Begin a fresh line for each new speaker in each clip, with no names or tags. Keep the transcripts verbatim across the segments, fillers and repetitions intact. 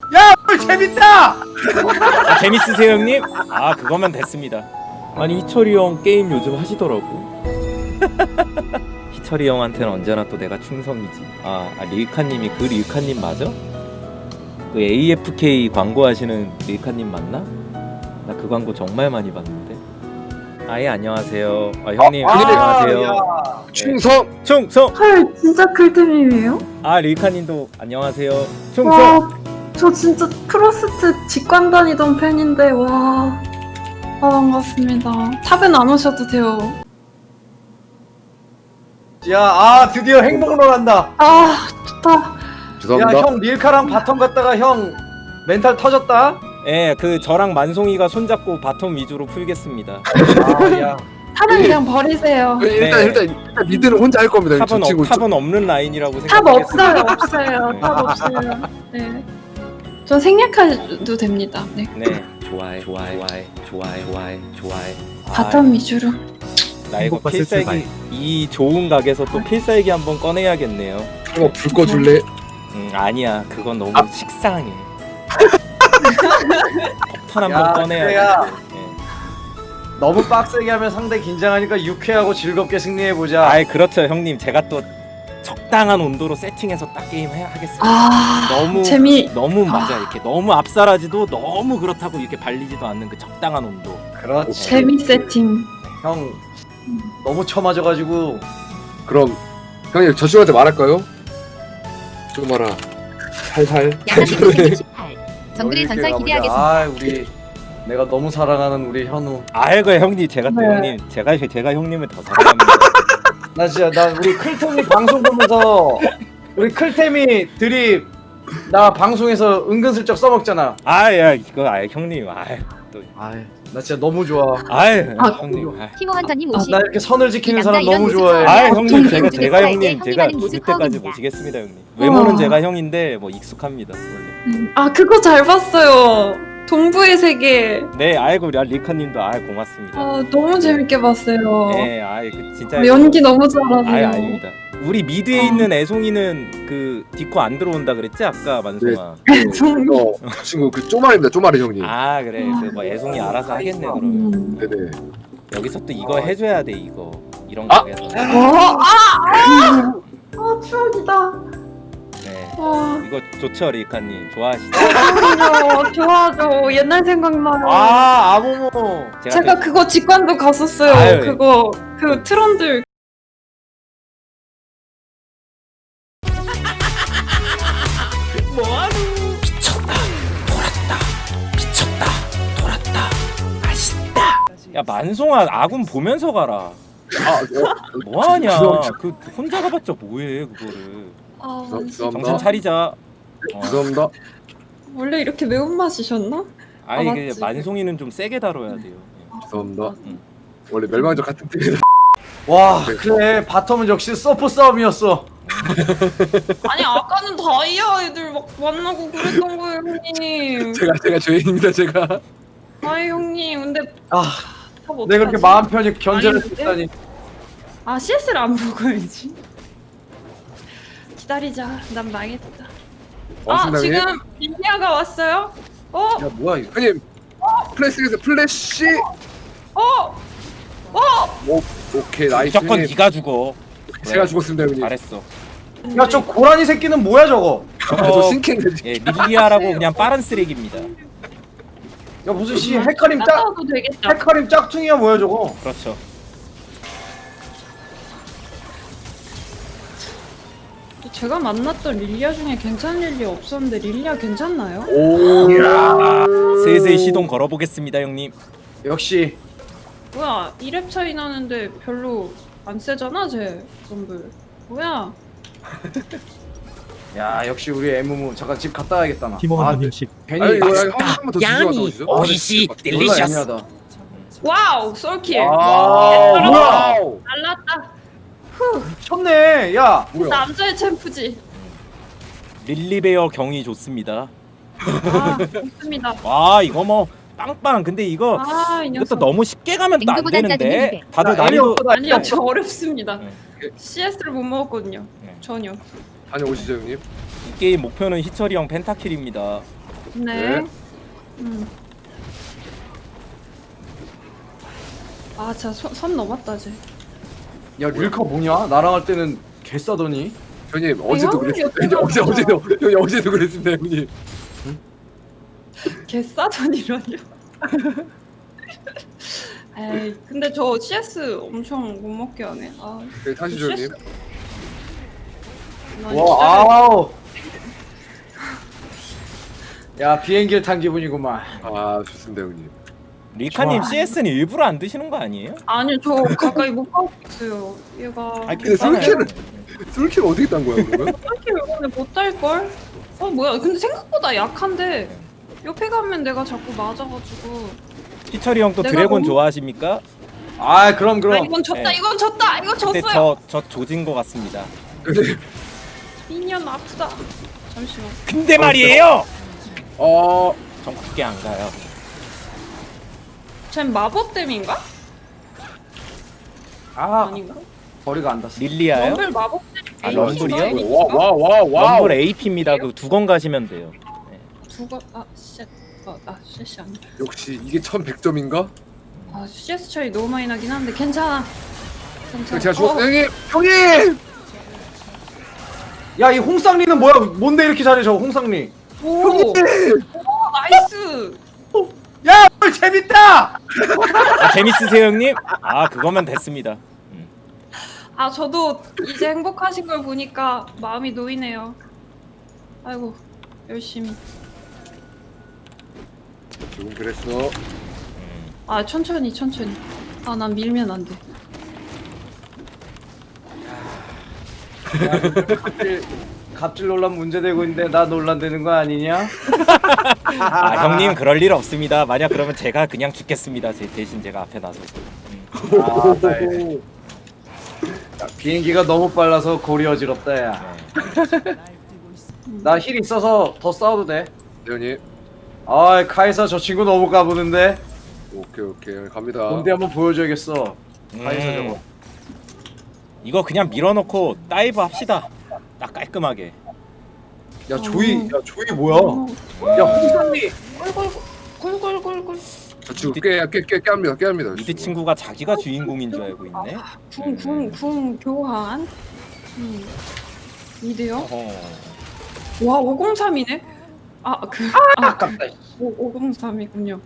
야, 오늘 재밌다.
아, 재밌으세요 형님? 아 그거면 됐습니다. 아니 희철이 형 게임 요즘 하시더라고. 희철이 형한테는 언제나 또 내가 충성이지. 아, 아 릴카님이 그 릴카님 맞아? 그 에이에프케이 광고하시는 릴카님 맞나? 나 그 광고 정말 많이 봤는데. 아예 안녕하세요. 아 형님
아,
안녕하세요.
야.
충성.
네. 충성.
헐 진짜 클템이에요?
아 릴카님도 안녕하세요. 충성.
와, 저 진짜 프로스트 직관 다니던 팬인데 와, 아 반갑습니다. 탑은 안 오셔도 돼요.
야, 아 드디어 행복로 간다.
아 좋다.
죄송합니다.
야, 형 릴카랑 바텀 갔다가 형 멘탈 터졌다.
예, 그 저랑 만송이가 손잡고 바텀 위주로 풀겠습니다.
아, 야.
탑은 그냥 버리세요.
일단
네.
일단 일단 미드는 혼자 할 겁니다.
탑은,
저 친구
없, 탑은 없는 라인이라고
탑
생각하겠습니다.
없어요, 없어요. 탑 없어요. 네. 전 생략해도 됩니다. 네.
네, 좋아해, 좋아해, 좋아해, 좋아해, 좋아해, 좋아해.
바텀 위주로.
나 이거
행복과 슬픔
필살기 이 좋은 각에서 또 필살기 한번 꺼내야겠네요.
이거 불 꺼줄래?
음, 아니야, 그건 너무
아.
식상해. 폭탄
야,
한번 꺼내야
그래야.
돼. 예.
너무 빡세게 하면 상대 긴장하니까 유쾌하고 즐겁게 승리해 보자.
아이 그렇죠, 형님. 제가 또 적당한 온도로 세팅해서 딱 게임 해 하겠습니다.
아
너무
재미.
너무
아.
맞아 이렇게 너무 앞살하지도 너무 그렇다고 이렇게 발리지도 않는 그 적당한 온도.
그렇지.
재미 세팅.
형 너무 처맞아가지고.
그럼 형님 저 친구한테 말할까요? 좀 말아. 살살.
양아치 정글의
이렇게
전설
가보자.
기대하겠습니다.
아, 우리 내가 너무 사랑하는 우리 현우.
아이고 형님, 제가 또
네.
형님 제가 제가 형님을 더 사랑합니다.
나 진짜 나 우리 클템이 방송 보면서 우리 클템이 드립 나 방송에서 은근슬쩍 써먹잖아.
아야 이거 아 형님 아이 또
아이, 나 진짜 너무 좋아.
아이
아,
형님 아이.
티모헌터님
나
오십.
이렇게 선을 지키는
이
사람
남자
너무
이런
좋아해.
모습
아이
어,
형님
좀
제가
좀
제가
좀
형님
좀
제가
좀
죽을
좀
때까지
좀
모시겠습니다 형님. 외모는
우와.
제가 형인데 뭐 익숙합니다 원래.
아 그거 잘 봤어요. 동부의 세계.
네 아이고 리카님도 아이 고맙습니다.
아 너무 재밌게 봤어요.
네 아이 그 진짜
연기 너무
아이
잘하세요.
아닙니다. 우리 미드에
어.
있는 애송이는 그 디코 안 들어온다 그랬지 아까 만송아.
어, 그 친구 그 쪼마리입니다. 쪼마리 형님.
아 그래 그 뭐 애송이 알아서 하겠네 그러면.
음.
네네.
여기서 또 이거 해줘야 돼 이거 이런
아!
거에서.
어, 아, 아, 아 추억이다.
네
와,
이거 좋죠 리카님 좋아하시죠?
그럼요. 좋아하죠. 옛날 생각나요.
아, 아모모.
제가,
제가
또-
그거 직관도 갔었어요.
아유,
그거 그 트런들.
야 만송아 아군 보면서 가라.
아, 어,
뭐하냐
죄송합니다.
그 혼자 가봤자 뭐해 그거를.
아,
죄송-
정신
죄송합니다.
차리자. 어.
죄송합니다.
원래 이렇게 매운맛이셨나?
아니
아,
그
맞지.
만송이는 좀 세게 다뤄야 돼요.
죄송합니다.
응.
원래 멸망적 같은 팀이라.
와, 그래. 바텀은 역시 서포 싸움이었어.
아니 아까는 다이아 애들 막 만나고 그랬던 거예요 형님.
제가 제가 죄인입니다. 제가.
아이 형님 근데
아,
탑 어떡하지?
내가 그렇게 마음 편히 견제를
아닌데?
했다니.
아 씨에스를 안 먹어야지. 기다리자. 난 망했다. 아
고맙습니다, 형님.
지금 릴리아가 왔어요? 어?
야, 뭐야 이거?
형님 플래시에서 플래시.
어? 어?
오, 오케이 나이스.
무조건
형님.
네가 죽어.
제가 죽었습니다 형님.
잘했어.
야, 저 고라니 새끼는 뭐야 저거?
아, 저 신캔데.
예, 릴리아라고 그냥 빠른 쓰레기입니다.
야, 무슨 씨 헤카림 짝
따도 되겠다.
헤카림 짝퉁이야 뭐야 저거?
그렇죠.
제가 만났던 릴리아 중에 괜찮은 릴리아 없었는데 릴리아 괜찮나요?
오.
슬슬 시동 걸어보겠습니다 형님.
역시
뭐야 이 렙 차이 나는데 별로 안 세잖아 쟤 럼블. 뭐야?
야, 역시 우리 에무무 잠깐 집 갔다 와야겠다 나.
티모헌터님 십.
괜히
아니 이거
맛있다.
한번더
양이
주시죠.
오이시
졸라
딜리셔스.
애매하다.
와우 솔킬.
와,
예,
뭐야?
날랐다.
미쳤네. 야,
뭐야?
남자의 챔프지.
릴리베어 경이 좋습니다.
아 좋습니다.
와 이거 뭐 빵빵. 근데 이거
아 이
이것도
녀석.
너무 쉽게 가면 또 안
냉두보단
되는데.
짜증이
다들
야,
난이도
애니 없어,
아니요 저 어렵습니다.
네.
씨에스를 못 먹었거든요.
네.
전혀.
다녀오시죠 형님.
이 게임 목표는 희철이 형 펜타킬입니다.
네.
네.
음. 아, 진짜 선, 선 넘었다, 쟤.
야 릴카 뭐냐? 나랑 할 때는 개 싸더니.
형님 어제도
형님
그랬습니다.
옆에
어제
가서.
어제도 형님 어제도 그랬습니다 형님.
개 싸더니라뇨. 에이, 근데 저 씨에스 엄청 못 먹게 하네. 아,
네, 타시죠 형님.
나
와
진짜-
아우. 야 비행기를 탄 기분이구만.
아 좋습니다 형님.
리카님
좋아.
씨에스는 일부러 안 드시는 거 아니에요?
아니, 저 가까이 못 가고 있어요. 얘가.
아니
근데
괜찮아요.
솔킬을- 솔킬 어떻게 딴 거야 그러면?
이렇게 이번에 못달걸? 어, 뭐야. 근데 생각보다 약한데. 옆에 가면 내가 자꾸 맞아가지고.
피처리 형 또
내가
드래곤
너무-
좋아하십니까?
아 그럼
아,
그럼.
이건 졌다,
네.
이건 졌다, 이거
근데
졌어요.
저, 저 조진 거 같습니다.
미니언 아프다. 잠시만.
근데 말이에요!
어
전 그게 안 가요.
쟨 마법댐인가?
아
아닌가?
거리가 안 닿았어.
릴리아요?
럼블 마법댐.
아, 럼블이요?
와와와 와.
럼블 에이피입니다. 그 두 건 가시면 돼요.
두가 아 쉣. 아, 아 쉣이 아니야.
역시 이게 천백 점인가?
아 씨에스 차이 너무 많이 나긴 한데 괜찮아. 괜찮아.
제가 죽었어요
어,
형님. 형님.
야 이 홍쌍리는 뭐야? 뭔데 이렇게 잘해 저 홍쌍리?
오,
형님.
오, 나이스.
야 오늘 재밌다.
아, 재밌으세요 형님? 아 그거면 됐습니다. 음.
아 저도 이제 행복하신 걸 보니까 마음이 놓이네요. 아이고 열심히.
조금 그랬어.
음.
아 천천히 천천히. 아 난 밀면 안 돼.
갑질 갑질 논란 문제되고 있는데 나 논란되는 거 아니냐?
아 형님 그럴 일 없습니다. 만약 그러면 제가 그냥 죽겠습니다. 제 대신 제가 앞에 나서서. 음.
아, 네. 야, 비행기가 너무 빨라서 골이 어지럽다 야.
네.
나 힐 있어서 더 싸워도 돼.
네, 형님.
아 카이사 저 친구 너무 까부는데.
오케이 오케이 갑니다.
뭔데 한번 보여줘야겠어.
음.
카이사 저거.
이거 그냥 밀어넣고 다이브 합시다. 딱 깔끔하게.
야 조이,
어.
야 조이 뭐야? 야 홍상리.
꿀꿀꿀꿀꿀.
저 지금 깨깨깨 깨합니다 깨합니다.
미드 친구가 자기가 주인공인 줄 알고 있네.
궁궁궁 교환. 음. 미드요?
어허.
와 오공삼이네. 아그 아,
아깝다.
오공삼이군요.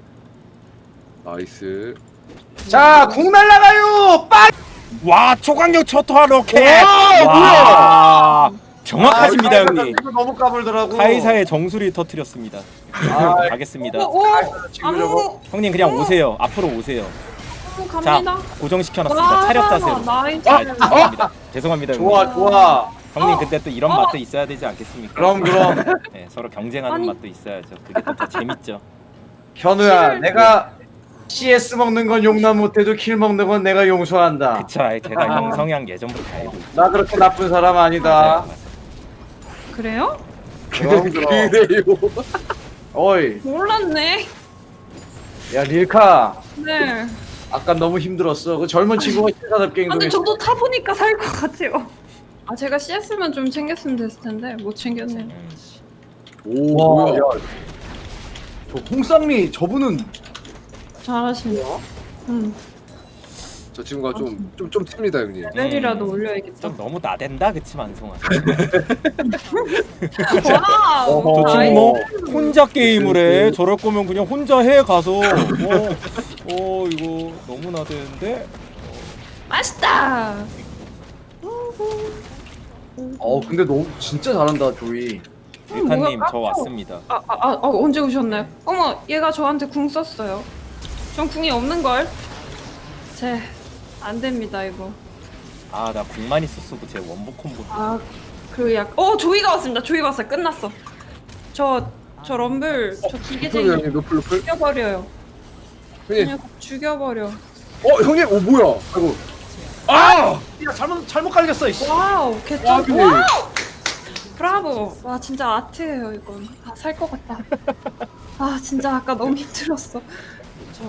나이스.
자, 궁 날라가요. 빨.
와 초강력 초토화 로켓.
와,
와 정확하십니다
아, 카이사
형님.
이거 너무 까불더라고.
카이사의 정수리 터트렸습니다.
아,
가겠습니다.
오, 오
친구 저거.
아무
형님 그냥 오세요. 앞으로 오세요.
아무
자
갑니다.
고정시켜놨습니다. 차렷 자세로.
나이스.
아, 죄송합니다. 죄송합니다 형님.
좋아, 좋아.
형님
어.
근데 또 이런
어.
맛도 있어야 되지 않겠습니까?
그럼 그럼.
네, 서로 경쟁하는
아니.
맛도 있어야죠. 그게 또 더 재밌죠.
현우야,
킬.
내가 씨에스 먹는 건 용납 못해도 킬 먹는 건 내가 용서한다.
그쵸. 아이, 제가 형 성향 예전부터 다 알고 있죠.
나 그렇게 나쁜 사람
맞아요,
아니다.
맞아요.
그래요?
그럼 그럼.
그래요.
어이,
몰랐네.
야 릴카.
네.
아까 너무 힘들었어. 그 젊은 친구가 신사답게
아, 근데
행동했어.
저도 타보니까 살 것 같아요. 아 제가 씨에스만 좀 챙겼으면 됐을 텐데 못 챙겼네요.
음.
오
와,
뭐야?
야, 저 홍쌍리 저분은
잘하시네요. 음.
저 친구가 좀좀좀 튑니다 형님.
레벨이라도
음.
올려야겠다.
좀 너무 나댄다 그치 만성아.
와우.
어허.
저
나이스.
지금 뭐 혼자 게임을 해. 저럴 거면 그냥 혼자 해 가서. 어, 어 이거 너무 나대는데.
맛있다.
어 근데 너무 진짜 잘한다 조이.
일카님
뭐야,
저
깜짝-
왔습니다.
아, 아, 아, 아 언제 오셨나요? 어머 얘가 저한테 궁 썼어요. 전 궁이 없는 걸. 제 안 됩니다 이거.
아 나 궁만 있었어도 제 원복 콤보.
아그 약. 어 조이가 왔습니다. 조이 왔어요. 끝났어. 저 저 럼블 저
노플
기계쟁이
형님 노플 노플.
죽여버려요.
형님.
그냥 죽여버려.
어 형님 어 뭐야? 아이고. 아!
야 잘못 잘못 깔렸어. 이씨.
와우
와,
개쩔.
근데-
와우. 브라보. 와 진짜 아트예요 이건. 아 살 것 같다. 아 진짜 아까 너무 힘들었어. 저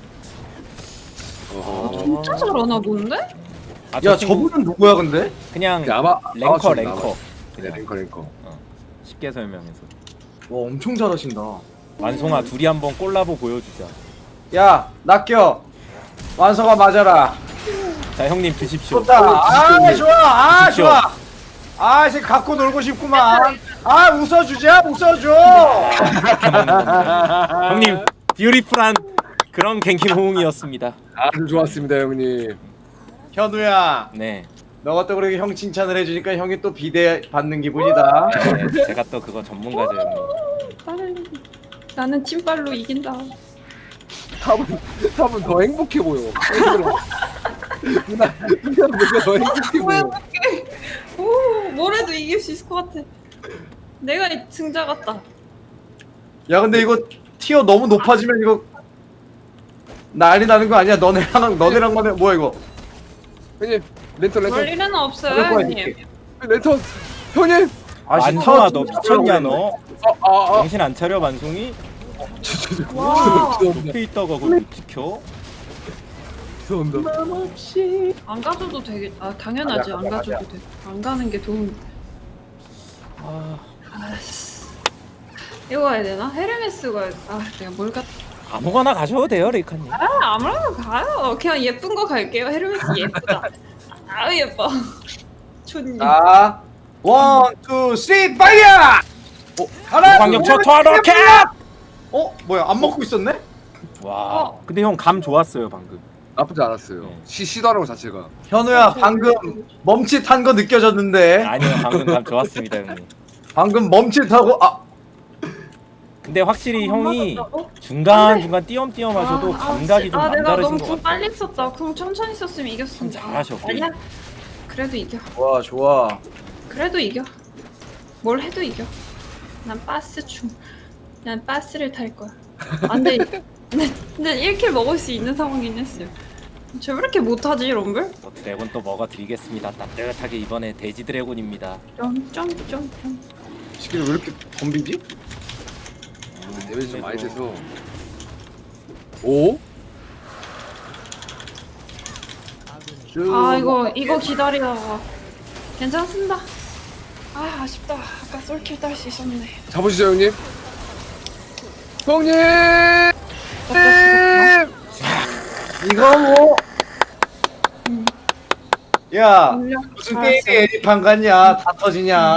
어.
진짜 잘하나 본데?
아, 저
야
친구
저분은 누구야 근데?
그냥
아마
랭커
아마
랭커.
네 랭커 랭커.
쉽게 설명해서.
엄청 잘하신다.
완송아 둘이 한번 콜라보 보여주자.
야 낚여. 완성아 맞아라.
자 형님 드십시오.
좋다. 아 좋아. 아
드십시오.
좋아. 아 이제 갖고 놀고 싶구만. 아 웃어주자 웃어줘.
이렇게 먹는 겁니다. 형님 뷰티풀한 그런 갱킹 호응이었습니다.
아주 좋았습니다 형님.
현우야.
네.
너가 또 그렇게 형 칭찬을 해주니까 형이 또 비대 받는 기분이다.
네, 제가 또 그거 전문가죠 형님.
나는 나는 찐빨로 이긴다.
탑은 탑은 더 행복해 보여. 누나 누나 뭔가 더 행복해
뭐
보여.
해볼게. 오, 뭐래도 이길 수 있을 것 같아. 내가 이 승자 같다.
야 근데 이거 티어 너무 높아지면 이거 난리 나는 거 아니야? 너네랑 너네랑만 해. 뭐야 이거?
형님 랜턴
그럴
랜턴
일은 없어요,
그럴 거야,
형님.
이렇게.
랜턴 형님.
완송아 너 미쳤냐 너?
아아 아.
정신 안 차려 완송이?
와.
높이 있다가 그걸 못 지켜?
죄송합니다.
안 가져도 되겠. 아 당연하지.
맞아,
안
맞아,
가져도
맞아.
돼. 안 가는 게 도움.
아
아씨. 이거 해야 되나? 헤르메스가 아 내가 뭘 갖.
아무거나 가셔도 돼요 레이카님.
아 아무나 가요. 그냥 예쁜 거 갈게요. 헤르메스 예쁘다. 아 예뻐. 좋니.
자, 원, 투, 쓰리, 파이어! 어, 하나,
광역
둘,
초토 로켓!
어, 뭐야? 안 먹고 있었네?
와.
어.
근데 형 감 좋았어요 방금.
나쁘지 않았어요. 시 시도하는 거 자체가.
현우야, 방금 멈칫한 거 느껴졌는데.
아니요 방금 감 좋았습니다 형님.
방금 멈칫하고 아,
근데 확실히 형이
맞았다고?
중간 중간 띄엄띄엄 하셔도
아,
감각이
아,
좀
아, 내가
남다르신
너무
것
궁
같아요.
빨리 썼다. 궁 천천히 썼으면 이겼습니다.
참 잘하셨고.
아니야. 그래도 이겨.
좋아, 좋아.
그래도 이겨. 뭘 해도 이겨. 난 바스 중. 난 바스를 탈 거야. 안돼. 근데, 근데 일 킬 먹을 수 있는 상황이긴 했어요. 쟤 왜 이렇게 못하지 럼블?
또 드래곤 또 먹어드리겠습니다. 따뜻하게 이번에 돼지 드래곤입니다.
점점점점.
시키를 왜 이렇게 덤비지?
데미지 좀 많이 돼서. 오?
아 이거 이거 기다리다가 괜찮습니다. 아 아쉽다. 아까 솔킬 딸 수 있었네.
잡으시죠 형님. 형님.
이거 뭐? 야, 무슨
알았어.
게임에 에디판 같냐? 다 터지냐?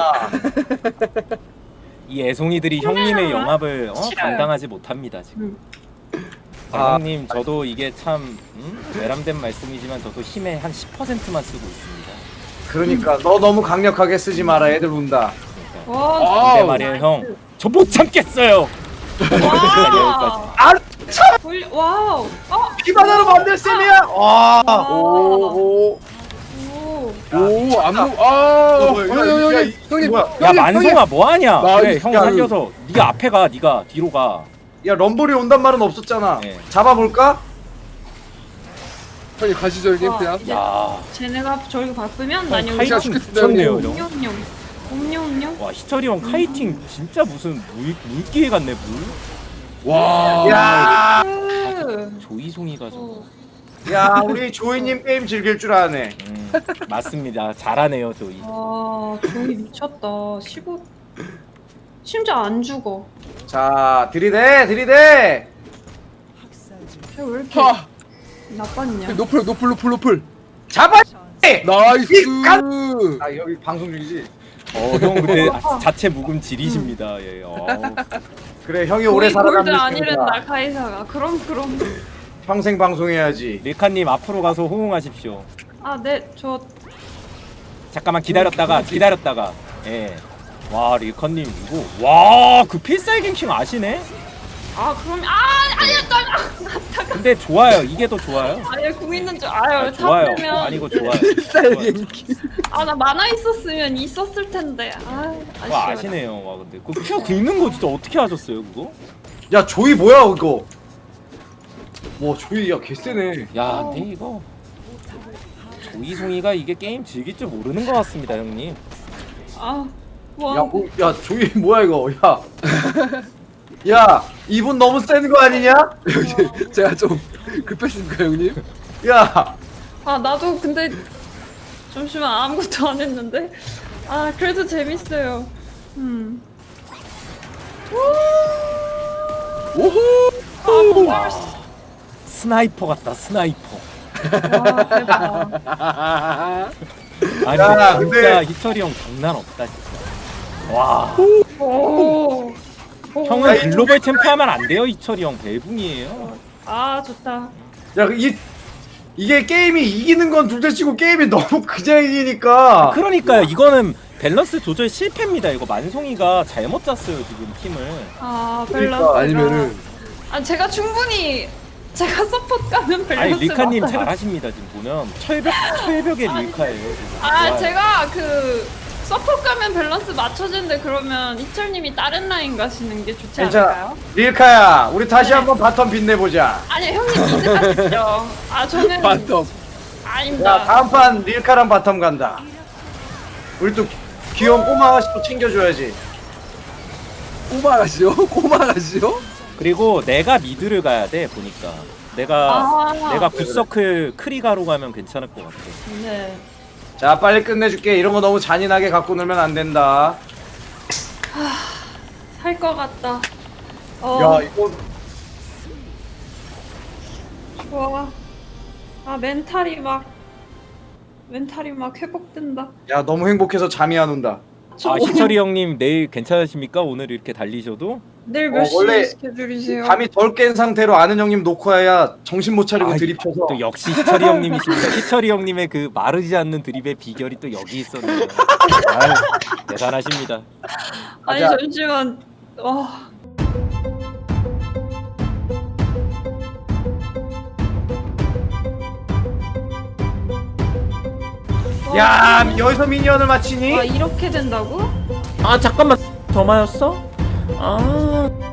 이 애송이들이 형님의 영합을 어?
싫어요.
감당하지 못합니다 지금. 아,
아.
형님 저도 이게 참 음? 외람된 말씀이지만 저도 힘의 한 십 퍼센트만 쓰고 있습니다.
그러니까 너 너무 강력하게 쓰지 마라. 애들 운다.
와.
근데
아우.
말이에요 형, 저 못 참겠어요.
와.
아,
돌려- 와우. 어.
피바다로 만들 셈이야. 와.
와.
오.
오.
오 안무 아.
어, 뭐야,
형님
야,
형님
야,
형님
이-
형님.
뭐야?
야
형님,
만송아 뭐하냐?
나
그래
이-
형
야,
살려서 네가 앞에 가, 네가 뒤로 가.
야 럼블이 온단 말은 없었잖아.
네.
잡아볼까?
형님 가시죠 형님
와,
그냥.
이제
야,
쟤네가 저기 바쁘면 난
형
여기
카이팅
카이팅
시켰습니다,
미쳤네요
형님.
형.
옴뇸뇸 옴뇸뇸.
와 희철이 형 카이팅 진짜 무슨 물 물기에 갔네 물.
와.
야,
그.
조이송이가 저.
어.
야 우리 조이님 게임 즐길 줄 아네.
음, 맞습니다. 잘하네요 조이.
와 조이 미쳤다. 십오. 심지어 안 죽어.
자 들이대 들이대.
쟤 왜 이렇게
하.
나빴냐?
노플 노플 노플 노플.
잡아.
나이스.
아 여기 방송 중이지.
어 형 근데 아, 자체 묵음 지리십니다. 예. 어.
그래 형이 오래
조이 골드
살아남는
아니랬나 카이사가. 그럼 그럼.
평생 방송해야지.
밀카님 앞으로 가서 호응하십시오.
아 네 저.
잠깐만 기다렸다가 기다렸다가. 예. 와 릴카님 이거 와그 필살 갱킹 아시네?
아 그럼 아 아니야 나.
근데 좋아요. 이게 더 좋아요.
아예 궁 있는 줄 아유
아, 좋아요.
탑되면
아니 이거 좋아요.
아나 만화 있었으면 있었을 텐데 아
와
아쉬워.
아시네요. 와 근데 그 큐 긁는 거 진짜 어떻게 하셨어요 그거?
야 조이 뭐야 이거? 와 조이 야 개쎄네.
야 근데 이거 조이송이가 이게 게임 즐길 줄 모르는 것 같습니다 형님.
아 와.
야, 뭐, 야 조이 뭐야 이거? 야, 야 이분 너무 센 거 아니냐?
형님 제가 좀 급했습니까 형님?
야,
아 나도 근데 잠시만 아무것도 안 했는데 아 그래도 재밌어요. 음.
오호.
아, 뭘 수-
스나이퍼 같다 스나이퍼.
와, 대박.
아니
야,
진짜
근데-
희철이 형 장난 없다 진짜. 와
오. 오.
형은 글로벌 챔프 하면 안 돼요 희철이 형 벨붕이에요.
아, 좋다.
야, 이 이게 게임이 이기는 건 둘째치고 게임이 너무 그냥 이기니까.
그러니까요 이거는 밸런스 조절 실패입니다. 이거 만송이가 잘못 짰어요 지금 팀을.
아,
그러니까,
밸런스.
아니면은
아, 제가 충분히 제가 서포트 가는 밸런스.
아니 릴카님
맞아요.
잘하십니다 지금 보면 철벽 철벽의 릴카예요 지금.
아,
좋아요.
제가 그 서포트 가면 밸런스 맞춰지는데 그러면 이철님이 다른 라인 가시는 게 좋지
괜찮아.
않을까요?
릴카야, 우리 다시
네.
한번 바텀 빛내보자.
아니, 형님 미드 가시죠. 아, 저는
반톱.
아닙니다.
야, 다음 판 릴카랑 바텀 간다. 우리 또 귀여운 꼬마 아가씨 또 챙겨줘야지.
꼬마가시오? 꼬마가시오?
그리고 내가 미드를 가야 돼 보니까. 내가
아,
내가 굿서클 크리가로 가면 괜찮을 것 같아.
네.
자, 빨리 끝내줄게. 이런 거 너무 잔인하게 갖고 놀면 안 된다.
살 것 같다. 어,
야, 이거
좋아. 아, 멘탈이 막 멘탈이 막 회복된다.
야, 너무 행복해서 잠이 안 온다.
저
아
오늘
희철이 형님 내일 괜찮으십니까? 오늘 이렇게 달리셔도?
내일 몇
어,
시에
원래
스케줄이세요?
잠이 덜 깬 상태로 아는 형님 놓고 해야 정신 못 차리고
아,
들이펴서.
또 역시 희철이 형님이십니다. 희철이 형님의 그 마르지 않는 드립의 비결이 또 여기 있었네요. 아유, 대단하십니다.
아니
자.
잠시만. 와.
야, 여기서 미니언을 맞히니?
와, 이렇게 된다고?
아 잠깐만 더 맞았어? 아